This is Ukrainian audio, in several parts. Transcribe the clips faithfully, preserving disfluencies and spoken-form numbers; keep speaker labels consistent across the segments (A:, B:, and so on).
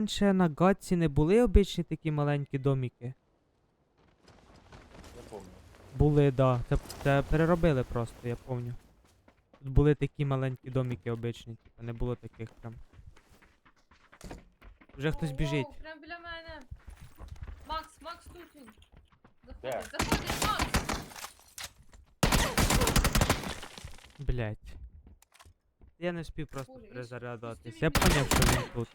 A: Раніше на Гатці не були обичні такі маленькі домики?
B: Я помню.
A: Були, да. Це, це переробили просто, я пам'ятаю. Тут були такі маленькі домики обичні, типу не було таких прям. Вже хтось
C: Воу,
A: біжить.
C: воу, прям біля мене. Макс, Макс тут він.
B: Де?
C: Заходить, заходить, Макс!
A: Блять. Я не встиг просто
C: Боже, я
A: перезарядуватись.
C: щось
A: Я
C: тобі
A: поняв, що він тут.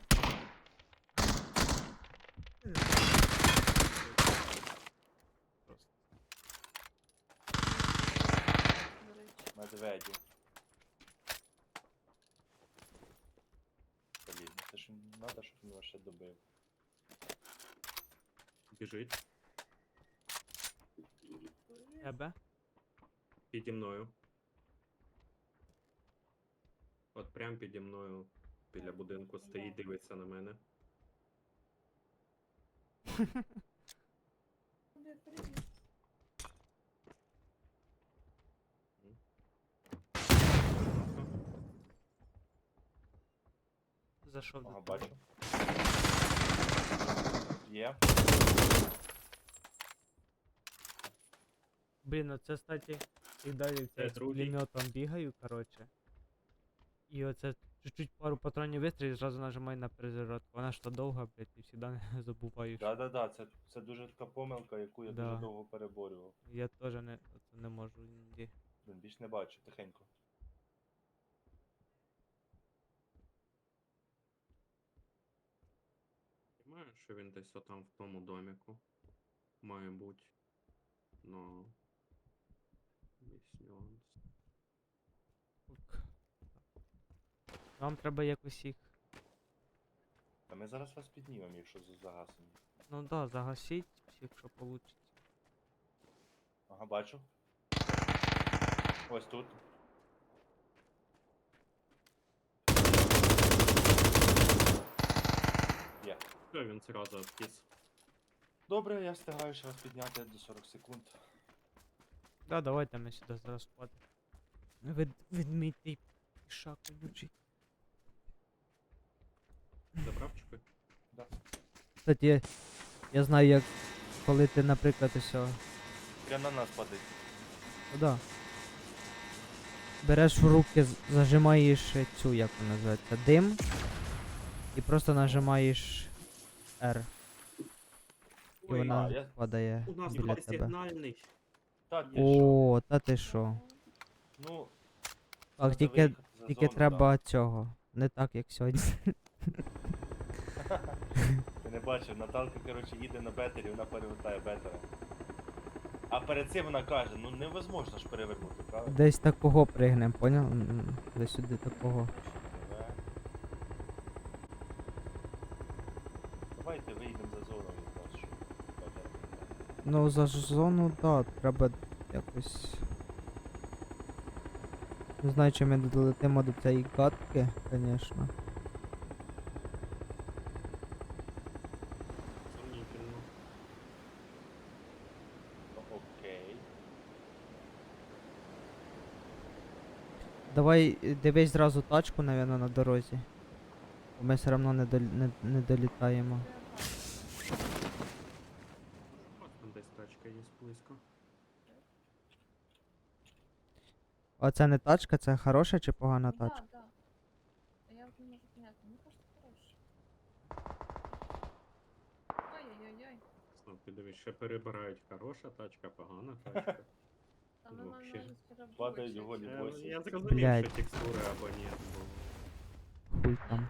C: До речі.
B: Медведі. Блін, ну це ж треба, щоб він вас ще добив.
D: Біжить
A: Тебе?
D: піді мною. От прям піді мною біля будинку стоїть, дивиться на мене.
C: Привіт, привіт.
A: Зайшов до
B: Ага,
A: тебе.
B: бачу. Є.
A: Блін, оце, кстати, і далі
D: Це
A: з
D: другий.
A: пулеметом бігаю, короче. І оце чуть-чуть пару патронів вистрілів і зразу нажимаю на перезарядку. Вона ж то довга, блядь, і завжди не забуваю. що-
B: Да-да-да, це, це дуже така помилка, яку я
A: Да.
B: дуже довго переборював.
A: Я теж не, оце не можу іноді.
B: Блін, більш не бачу, тихенько.
D: Знаю, що він десь отам в тому доміку. Має бути. Но. Весь нюанс.
A: Ок. Вам треба якось їх.
B: Та ми зараз вас піднімемо, якщо за- загасимо.
A: Ну да, загасіть, якщо вийде.
B: Ага, бачу. Ось тут. Є.
D: Все, він зразу обкіс.
B: Добре, я встигаю ще вас підняти до сорок секунд.
A: Да, давайте ми сюди зараз впадемо. Від, відміть пішак колючий.
D: Забрав чіпи?
A: Кстати, я, я знаю, як коли ти, наприклад, ось.
B: Прям на нас падить.
A: Ну да. Береш в руки, з- зажимаєш е, цю, як вона називається, дим. І просто нажимаєш R. І
D: Ой,
A: вона
B: а, я-
A: падає
D: у нас
A: біля
D: є
A: тебе.
D: сигнальний.
B: Та ти що?
A: О, та ти що.
B: Ну,
A: Так,
B: треба
A: тільки,
B: виїхати за
A: тільки
B: зону,
A: треба цього. Не так, як сьогодні.
B: да. Ти не бачив, Наталка, коротше, їде на бетері, вона перевертає бетера. А перед цим вона каже, ну невозможно ж перевернути, правда?
A: Десь такого пригнем, поняв? М, м, Десь сюди такого.
B: Давай. Давайте вийдемо за зону якраз, щоб бетер.
A: Ну, за ж зону, да, треба якось. Не знаю, чи ми долетимо до цієї катки, звісно.
D: Сумнітельно.
B: Ну, окей.
A: Давай е, дивись зразу тачку, навіть, на дорозі. Бо ми все одно не, дол... не, не долітаємо.
D: Ось там десь тачка є близько.
A: А це не тачка, це хороша чи погана
C: Ну,
A: тачка?
C: да, да. А я вот не можу поняти. Мені кажется, хороший. Ой-ой-ой-ой.
D: Знов ти дивись, ще перебирають хороша тачка, погана тачка.
C: Там
D: Ну,
C: вона
D: вообще.
C: навіть переборчить.
B: Падають голі.
D: Е,
B: Ось.
D: Я зрозумів,
A: Блядь.
D: що текстури або ні, бо...
A: Хуй там.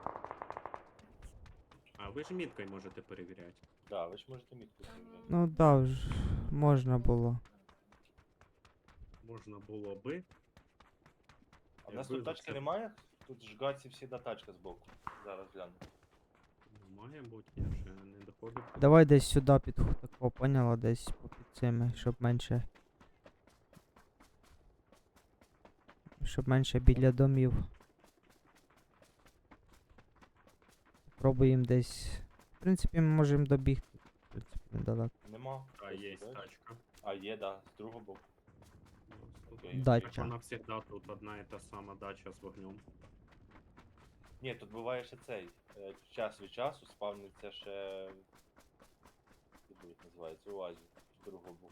D: А ви ж міткою можете перевіряти.
B: Да, ви ж можете мітку
C: Там,
B: зробити.
A: Ну да, ж можна було.
D: Можна було би.
B: А в нас
D: Якби
B: тут
D: за
B: тачки
D: це-
B: немає? Тут ж гаці всі до тачка збоку. Зараз гляну.
D: Ну, має бути, я ще не доходив.
A: Давай десь сюди під ху- такого, поняла, десь попід цими, щоб менше. Щоб менше біля домів. Пробуємо десь. В принципі, ми можемо добігти. В принципі, недалеко.
B: Нема.
D: А
B: Ось
D: є
B: тут, бачиш?
D: тачка.
B: А є, да, з другого боку. Окей.
A: Дача.
D: Вона завжди тут одна і та сама дача з вогнем.
B: Ні, тут буває ще цей. е, час від часу спавниться ще. Як їх називається, оазі з другого боку.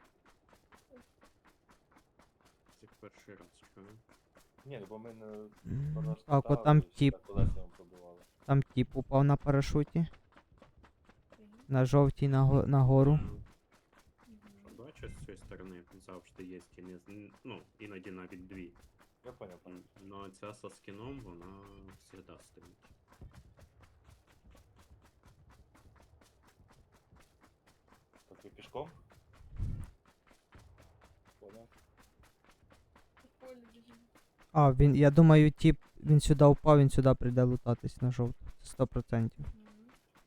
D: Це перший раз чую.
B: Ні, ну бо ми не
A: М,
B: просто
A: Так, от
B: ставили,
A: там
B: і всі
A: тіп,
B: так колесами пробивали.
A: там тіп упав на парашуті.
C: Окей.
A: На жовтій наго- нагору.
C: Мгм.
D: Бачиш, з цієї сторони завжди є стіни, з- ну, іноді навіть дві.
B: Я поняв, поняв.
D: Но ця со скіном, вона завжди стоїть.
B: Так ви пішком? Поняв.
C: По полю біжимо.
A: А, він, я думаю, тіп, він сюди впав, він сюди прийде лутатись на жовту. Сто процентів.
C: Мгм.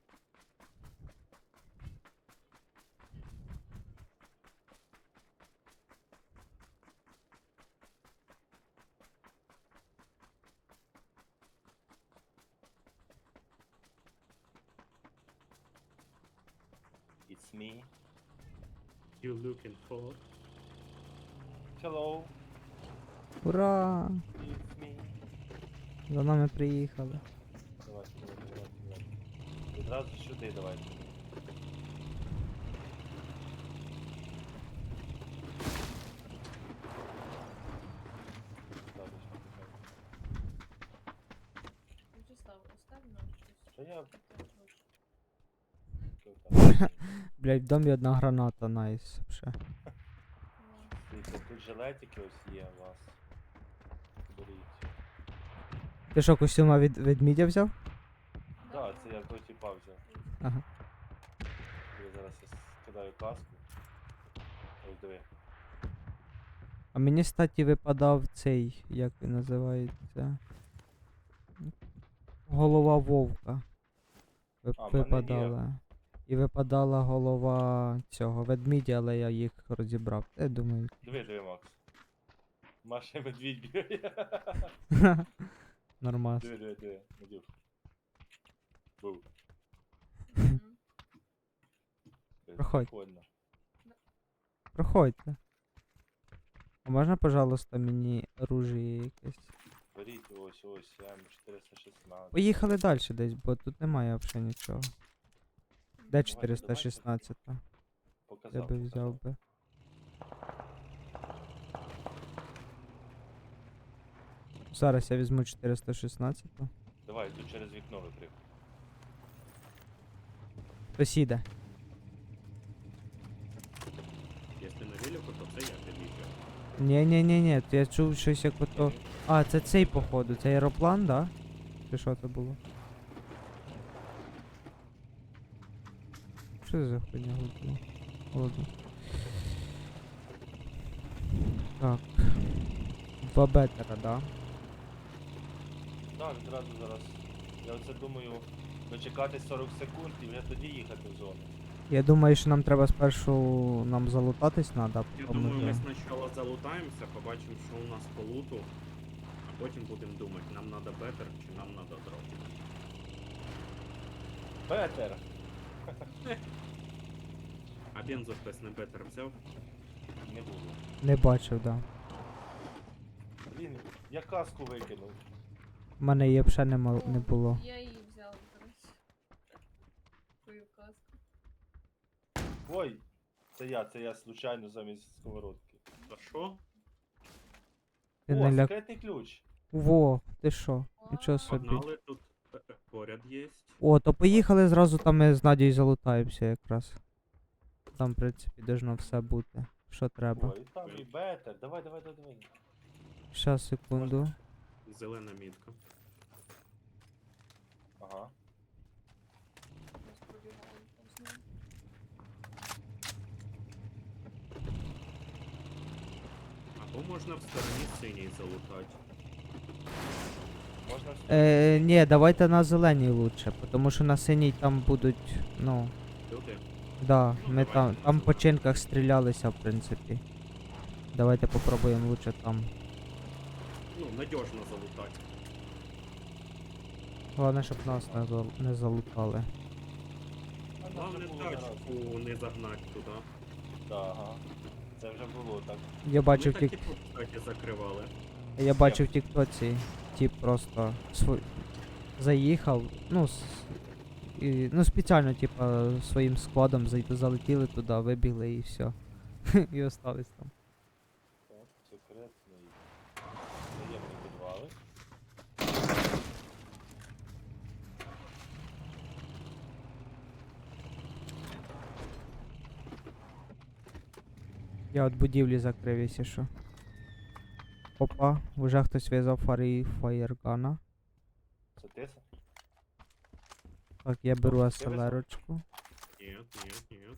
B: It's me.
D: You looking for?
B: Hello.
A: Ура!
B: It's me.
A: За нами приїхали.
B: Давайте, давайте, давайте, давайте. Відразу сюди давайте. Ставлю сюди, так.
C: Вячеслав, оставь нам щось.
B: Та я
C: Так, трошки.
B: тут так.
A: Блять, в домі одна граната, найс. Ще.
C: Клас.
B: Дивіться, тут жилетики ось є у вас. Беріть.
A: Ти що, костюма від ведмідя взяв?
B: Так, це я в той тіпа взяв.
A: Ага.
B: Я зараз я скидаю каску. Ось диви.
A: А мені, статі, випадав цей, як він називається. Голова вовка. Вип-
B: А, в мене є.
A: випадала. І випадала голова цього ведмідя, але я їх розібрав. Я думаю.
B: Диви, диви, Макс. Маша і медвідь бігає.
A: Нормас.
B: Диви, диви, диви, Медюш. Був.
C: Мгм.
A: Проходь.
B: Прикольно.
A: Проходьте. А можна, пожалуйста, мені оружие якесь?
B: Беріть ось, ось, М чотириста шістнадцять.
A: Поїхали далі десь, бо тут немає взагалі нічого. Де
B: Давайте,
A: чотириста шістнадцять? Я
B: Показав,
A: би взяв
B: показав.
A: би. Зараз я візьму чотириста шістнадцять.
B: Давай, тут через вікно випрыг.
A: Хтось іде.
D: Якщо на велику, то це я під'їжджаю.
A: Ні, ні, ні, ні, я чув щось як ото. А, це цей походу, це аероплан, да? Чи що це було? Що це за хуйня гудила? Ладно. Так. Два бетера, да?
B: Так, відразу зараз. Я оце думаю, дочекати сорок секунд і вже тоді їхати в зону.
A: Я думаю, що нам треба спершу нам залутатись треба,
D: Я
A: потім
D: думаю, ми
A: вже...
D: спочатку залутаємося, побачимо, що у нас по луту, а потім будемо думати, нам треба бетер чи нам треба дроп.
B: Петер!
D: А бензо хтось не бетер взяв?
B: Не було.
A: Не бачив, да.
B: Блін, я каску викинув.
A: У мене її взагалі нема, не
C: О,
A: було.
C: Я її взяла, до речі. Твою каску.
B: Ой! Це я, це я случайно замість сковородки.
D: А що?
A: Ти
B: О,
A: не ляк...
B: секретний ключ!
A: Во, ти що? Нічого собі.
D: Погнали, тут е, е, поряд є.
A: О, то поїхали зразу там ми з Надією залутаємося якраз. Там, в принципі, должно все бути. Що треба.
B: Ой, там і бетер. Давай, давай, давай, давай.
A: Щас, секунду.
D: Зелена мітка.
B: Ага.
C: Нас пробігали повз ним.
D: Або можна в стороні синій залутати.
B: Можна
A: Е, ні, давайте на зеленій лучше, тому що на синій там будуть, ну,
D: Люди?
A: да,
D: Ну,
A: ми
D: давайте
A: там,
D: на
A: там по
D: зеленій.
A: чинках стрілялися, в принципі. Давайте попробуємо лучше там.
D: Ну, надіжно залутати.
A: Головне, щоб нас не, зал- не залутали.
B: А, нам
D: Главне
B: вже було не раз.
D: тачку не загнати туди.
B: Да, ага. Це вже було так.
A: Я бачив
D: Ми
A: тік...
D: так і тут, кстати, закривали.
A: Я бачив в тіктоці, тип просто свой... заїхав, ну, с- і, ну спеціально, типа, своїм складом зайти, залетіли туди, вибігли і все. І остались там.
B: Так, секретний. Таємні підвали.
A: Я от будівлі закрив, якщо що. Опа, вже хтось в'язав фари фаєргана.
B: Це ти? це?
A: Так, я беру
B: Хлопці, ти в'язав?
A: аселерочку,
D: Нет, нет, нет.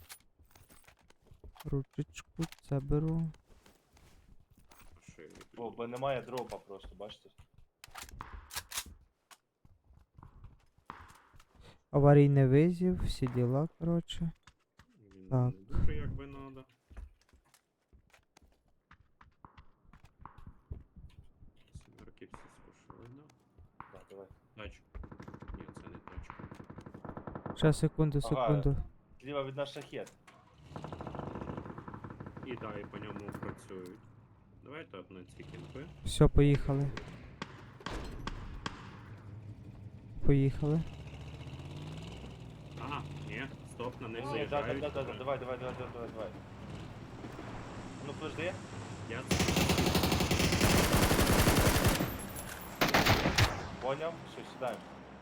A: ручечку, це беру.
D: Ошейник.
B: О, бо немає дропа просто, бачите?
A: Аварійний визів, всі діла, коротше.
D: Він
A: Так.
D: не дуже як би надо. Смерки всі спушили, да?
B: Так, давай.
D: Тачка. Ні, це не тачка.
A: Ще секунду,
B: Ага.
A: секунду.
B: Зліва від нас шахет.
D: І да, і по ньому працюють. Давайте от на ці кімпи.
A: Все, поїхали. Поїхали.
D: Ага, ні, стоп, на них
B: Ні, да, да,
D: заїжджають.
B: да, да, да, давай, давай, давай, давай, давай, давай. Ну, подожди.
D: Я
B: Поняв, все, сідаємо.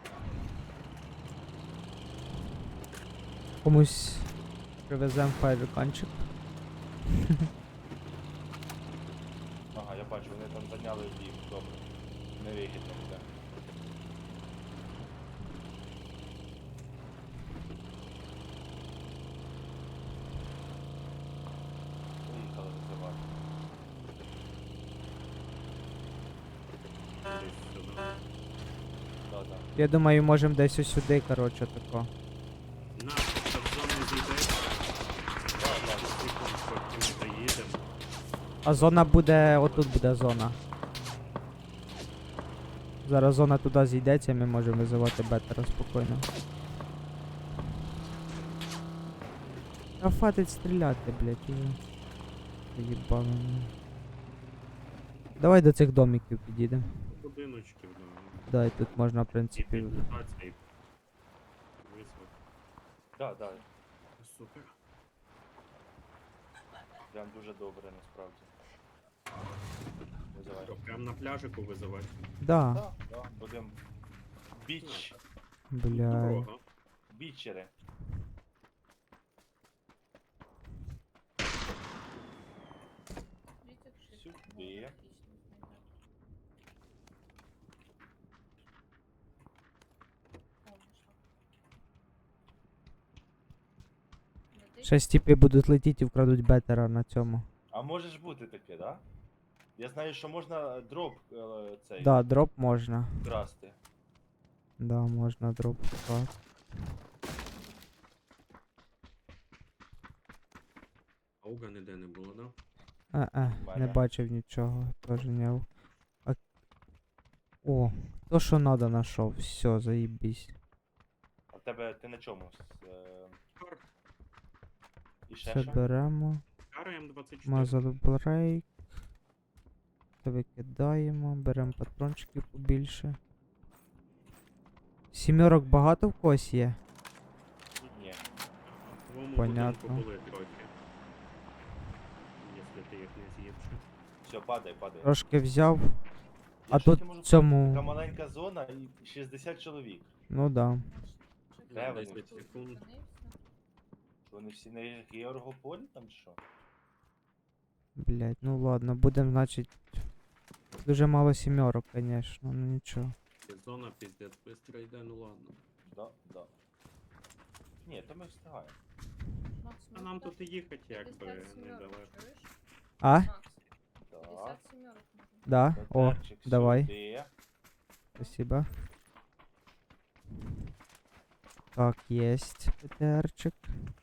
A: Комусь привеземо фаєрганчик.
B: Ага, я бачу, вони там зайняли їх, добре. Не вигідно буде. Поїхали визивати.
D: десь сюди.
B: Да, да.
A: Я думаю, можемо десь ось сюди, коротше, тако.
D: На, та в зону зійде.
B: Да, да.
D: Секунд, потім заїдемо.
A: А зона буде, отут буде зона. Зараз зона туди зійдеться, ми можемо визивати бетера спокійно. Та хватить стріляти, блять, уже. Заїбали мене. Давай до цих домиків підійдемо.
D: Будиночків, да.
A: Да, і тут можна, в
D: І
A: принципі.
D: підлутатися, і визвати.
B: Да, да.
D: Супер.
B: Прям дуже добре, насправді. Визивай.
D: Що, прям на пляжику визивати?
A: Да,
B: Да, да, будем біч,
A: бля.
D: Дорога.
B: бічери.
C: Видите, как
B: Сюда.
C: шифр? Ну, отлично, знаю. О, нашла. Летить?
A: Щас тіпи будуть летіти і вкрадуть бетера на цьому.
B: А може ж бути таке, да? Я знаю, що можна дроп е, цей
A: Да, дроп можна.
B: красти.
A: Да, можна дроп вкрасти.
D: Ауга ніде не було, да?
A: Е-е, не
B: Мене.
A: бачив нічого, теж не. А... О, то що надо нашов, все, заїбісь.
B: А в тебе ти на чому? З, е,
D: Кар.
B: і ще
A: Це
B: що?
A: беремо.
D: Кара М двадцять чотири.
A: Мазал брейк. Це викидаємо, беремо патрончиків побільше. Сімерок багато в когось є?
B: Ні.
D: В твоєму
A: Понятно.
D: будинку були трохи. Якщо ти їх не з'їв ще.
B: Все, падай, падай.
A: Трошки взяв. А
B: Я щось
A: тут
B: не можу
A: в цьому-
B: Така маленька зона і шістдесят чоловік.
A: Ну да.
C: Шифр
B: Де вони?
C: тут
D: десять секунд.
C: зупинився.
B: Що вони всі на Георгополі там чи що?
A: Блять, ну ладно, будем, значить. Дуже мало сімерок, конечно, ну нічого.
D: І зона піздець быстро йде, ну ладно.
B: Да, да. Ні, то ми встигаємо.
C: Макс,
D: А
C: ну,
D: нам
C: так,
D: тут і їхати якби
C: п'ятдесят сімерок,
D: недалеко.
C: чуєш?
A: А?
C: Макс,
B: Так.
C: п'ятдесят сімерок можна.
A: Да? О,
B: Петерчик
A: давай.
B: сюди.
A: Спасибо. Так, есть ПТРчик.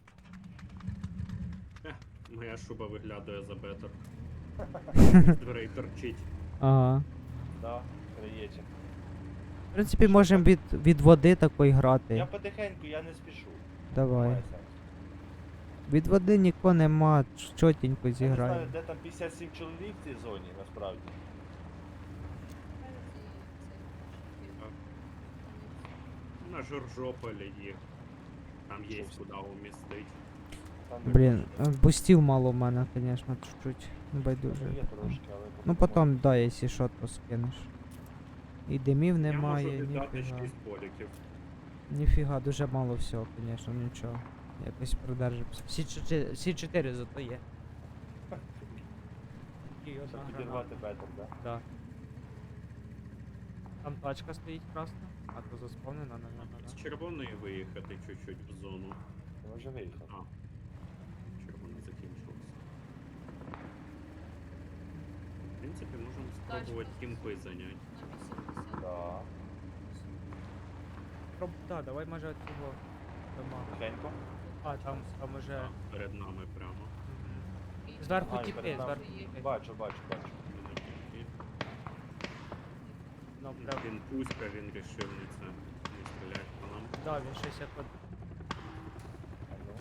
D: Моя шуба виглядає за бетер. З дверей торчить.
A: Ага.
B: Да, краєчик.
A: В принципі, можемо від, від води такої грати.
B: Я потихеньку, я не спішу.
A: Давай.
B: Немає сенсу.
A: Від води нікого нема, ч- чотенько
B: Я не знаю,
A: зіграємо.
B: де там п'ятдесят сім чоловік в цій зоні, насправді.
C: Навіть і цей,
D: Так. Аж Жоржополі їх. Там є
B: Щось.
D: куди умістить.
B: Там не
A: Блін,
B: дуже.
A: е, бустів мало в мене, звісно, чуть-чуть. Не
B: Ну,
A: байдуже.
B: є трошки, але
A: Ну
B: потім
A: потім, да, якщо що, то скинеш. І димів немає,
D: Я можу віддати
A: ніфіга.
D: шість боліків.
A: Ніфіга, дуже мало всього, звісно, нічого. Якось продержимося. Всі чотири, всі чотири зато є. І
B: можна
A: одна граната.
B: підірвати бетер, да?
A: Да. Там тачка стоїть красна, а то заспавнена, наверное,
D: З
A: да.
D: червоної виїхати чуть-чуть в зону.
B: Ми вже виїхали.
D: А. Червона закінчилася. В принципі, можемо спробувати кімпи зайняти.
C: На вісімдесят.
B: Да.
A: Проб... Да, давай може от цього дома.
B: Тихенько.
A: А, там, там уже...
D: Так, перед нами прямо.
A: Мгм.
C: І
A: Зверху
B: А, і
A: тіпи,
B: перед нами.
A: зверху тіпи.
B: Бачу, бачу, бачу.
D: І
A: Ну, прям...
D: Він пуська, він рішив не це не стріляти по нам.
A: Да, він щось як от...
B: А ну.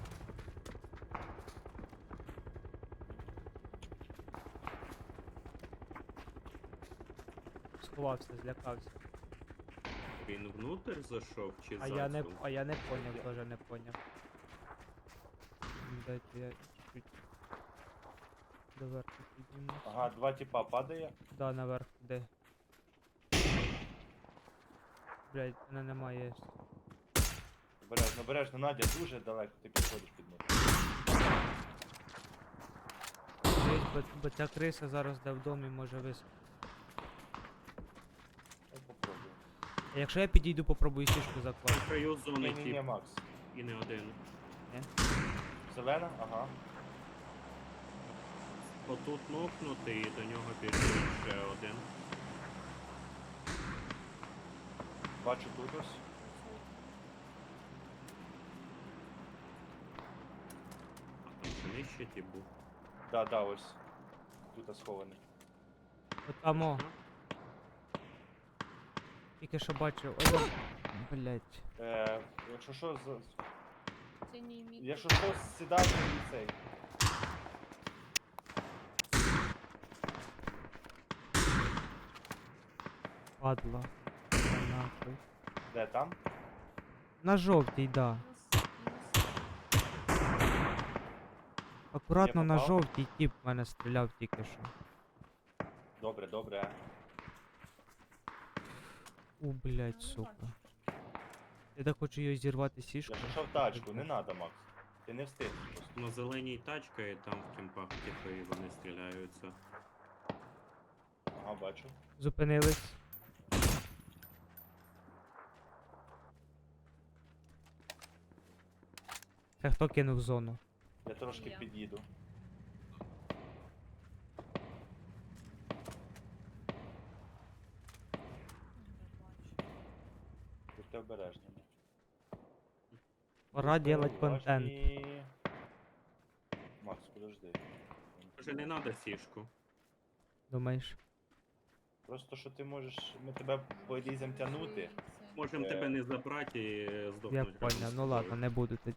A: сховався, злякався.
D: Він внутрь зайшов чи
A: А
D: за
A: я не,
D: цю?
A: а я не поняв, теж не поняв. М, Дайте я чуть-чуть доверху підніму.
B: Ага, два типа падає.
A: Да, наверх, де? Блять, мене немає.
B: Обережно, обережно, Надя, дуже далеко ти підходиш під них.
A: Дивись, бо, бо ця криса зараз де в домі може вис...
B: Я попробую.
A: А якщо я підійду, попробую сішку
D: На
A: закласти.
D: краю зони
B: Ні, ні, ні,
D: тип
B: Макс.
D: і не один.
B: Зелена? Ага.
D: Отут нокнутий і до нього біжить ще один.
B: Бачу тут ось.
D: А там ще нижче тип був.
B: Да, да, ось. Тут схований.
A: От там, о, тільки що бачив. Ой, блять.
B: Е, якщо що, з...
C: Синій мік.
B: якщо що, сідайте і цей.
A: Падла. Та нахуй.
B: Де там?
A: На жовтій, да. Акуратно
B: Я
A: на
B: попав?
A: жовтій тип в мене стріляв тільки що.
B: Добре, добре.
A: У, блять, сука. Я так хочу її зірвати сішку.
B: Я пішов в тачку, не надо, Макс. Ти не встиг просто.
D: На зеленій тачка і там в кімпах типи і вони стріляються.
B: Ага, бачу.
A: Зупинились. Це хто кинув зону?
B: Я трошки
C: Я.
B: під'їду. Будьте обережні.
A: Пора
B: Будьте
A: делать контент.
B: уважні. Макс, подожди.
D: Може не треба сішку.
A: Думаєш?
B: Просто що ти можеш. Ми тебе полізем тягнути.
D: Можемо
B: Е.
D: тебе не забрати і е,
A: Я
D: здохнути.
A: поняв, ну ладно, не буду тоді.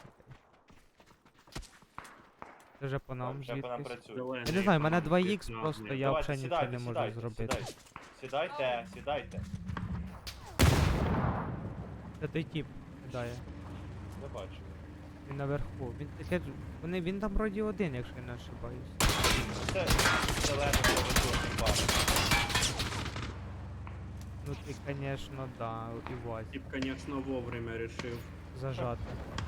A: Це вже по нам
B: Вже по нам
A: звідкись.
B: працює.
A: Я не знаю, в мене два ікс просто, я
B: Давайте,
A: взагалі нічого
B: сідайте,
A: не можу
B: сідайте,
A: зробити.
B: Сідайте, сідайте, сідайте.
A: Це той тип кидає.
B: Я бачу.
A: Він наверху. Він таке. Вони він там вроді один, якщо я не ошибаюсь.
B: Це зелений великий бар.
A: Ну ти, конечно, да, і Вась.
D: Тип, звісно, вовремя рішив.
A: Зажати.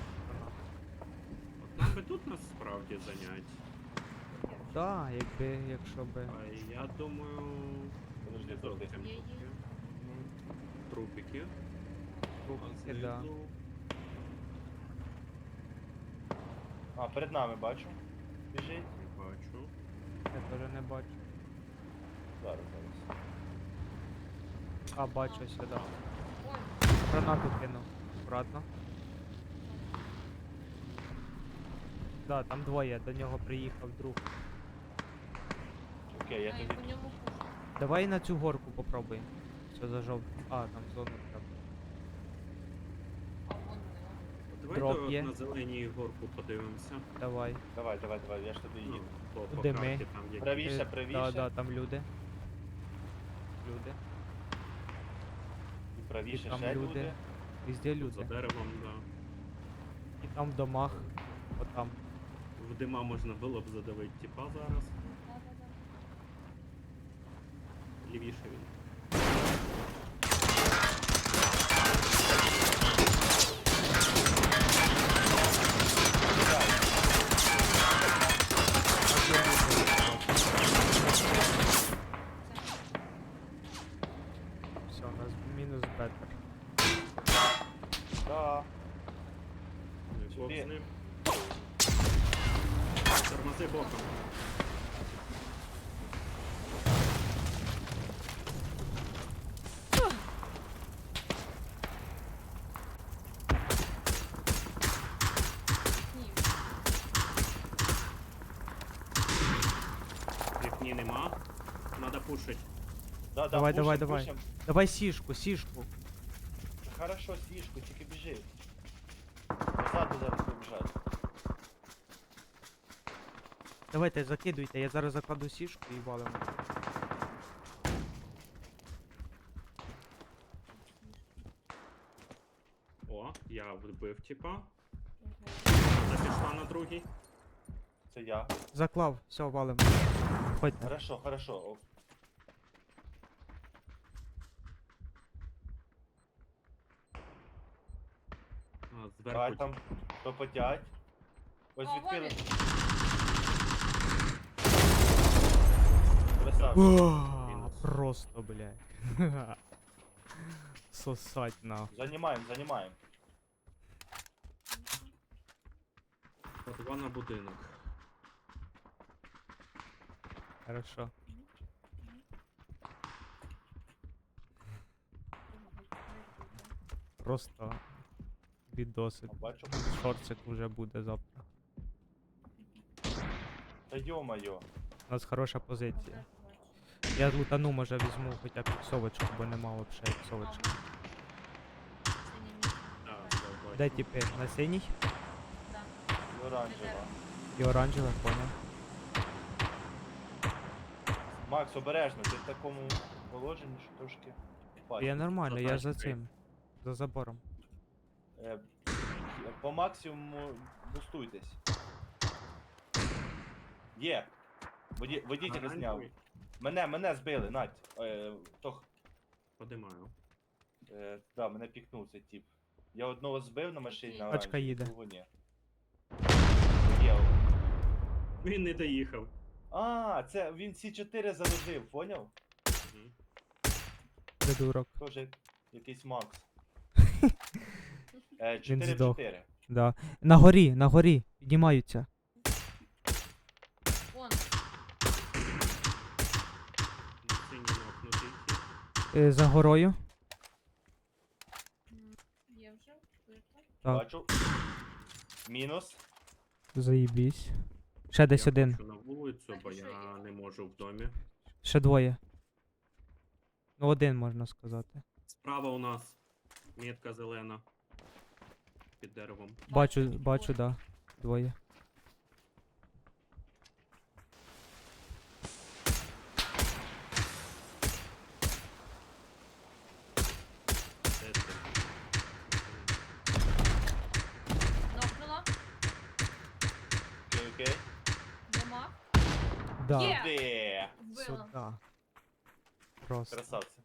D: От нам би тут нас справді зайняти.
A: Да, якби, якщо би.
D: А я думаю.
B: Подожди,
D: не
B: подожди.
D: зовсім
C: Є, є.
D: таке. Трупики.
A: Трубки,
D: А
A: да.
D: знизу
B: А, перед нами бачу. Біжить.
D: не бачу.
A: Я теж не бачу.
B: Зараз, зараз.
A: А, бачу сюди.
C: Ой,
A: Гранату кинув. Аккуратно. Да, там двоє, до нього приїхав друг.
B: Окей, я
C: а я
B: тоді.
C: по ньому пушу.
A: Давай на цю горку попробуємо. Все зажов. А, там зону треба.
C: А вон не.
D: Давайте
A: Дроп
D: от
A: є.
D: на зеленій горку подивимося.
A: Давай.
B: Давай, давай, давай, я ж туди
D: Ну,
B: їду.
D: по, по
A: Куди ми?
D: карті там є.
B: Правіше,
A: Е,
B: правіше.
A: Да, да, там люди. Люди.
B: І правіше
A: там
B: ще
A: люди.
B: люди.
A: Везде
D: Тут за
A: люди.
D: деревом, да.
A: І там в домах, отам.
D: В дима можна було б задавити тіпа зараз.
C: Да-да-да.
D: Лівіше він.
A: Все, у нас мінус бетер.
B: Да.
D: Ну і бок
B: Сюди.
D: з ним. Тормози боком.
C: Ні.
D: Вікні нема. Надо пушить.
B: Да, да,
A: Давай,
B: пушим,
A: давай, давай.
B: пушим.
A: Давай сішку, сішку.
B: Хорошо, сішку, тільки біжи. Позаду зараз побіжать.
A: Давайте закидуйте, я зараз закладу сішку і валимо.
D: О, я вбив тіпа.
C: Окей.
D: Вона пішла на другий.
B: Це я.
A: Заклав, все, валимо. Ходьте.
B: Хорошо, хорошо. О,
D: А,
B: Давай
D: зверху.
B: там пропотять. Ось
C: О,
B: відкрили.
C: вон
B: Красавчик.
A: О, просто, блядь. Сосать нахуй.
B: Занімаємо, занімаємо.
D: По два на будинок.
A: Хорошо. Просто відосик.
B: А, Бачу.
A: Шорцик уже буде завтра.
B: Та йо-моє.
A: У нас хороша позиція.
C: бачу.
A: Я лутану, може візьму хоча б іксовочку, бо нема вообще іксовочки.
C: Ага. Синій мій.
D: Так,
C: Давай.
D: бачу.
A: Де типи? На синій
C: Да.
B: І оранжева.
A: і оранжева, поняв.
B: Макс, обережно, ти в такому положенні, що трошки впасть.
A: Я нормально, я за
D: тачкою.
A: цим. За забором.
B: Е, По максимуму бустуйтесь. Є. Воді, водителя зняв.
D: Оранжевий.
B: Мене, мене збили, Надь. Е, тох,
D: Подимаю.
B: е, да, мене пікнув цей тип. Я одного збив на машині на
A: Тачка
B: оранжевій,
A: їде.
B: другого ні. Є.
D: Він не доїхав.
B: А, це він Сі чотири заложив, поняв?
D: Мгм.
A: Придурок.
B: Тоже якийсь Макс. Е,
A: Він
B: чотири в
A: здох.
B: чотири.
A: Да. На горі, на горі. Піднімаються.
C: Вон.
D: Синій нокнутий.
A: Е, за горою.
C: М, Є вже. Вбито.
A: Так,
B: Бачу. Мінус.
A: заїбісь. Ще десь
D: Я
A: один.
D: хочу на вулицю, бо
C: Так, і що
D: я
C: є?
D: не можу в домі.
A: Ще двоє. Ну, один можна сказати.
D: Справа у нас метка зелена. Під деревом.
A: Бачу,
C: Бачу,
A: бачу,
C: двоє.
A: да. Двоє.
D: Де це?
C: Нокнула.
B: Окей, окей.
C: Дома.
A: Да.
C: Є!
B: Де?
C: Вбила.
A: Сюда. Просто.
B: Красавці.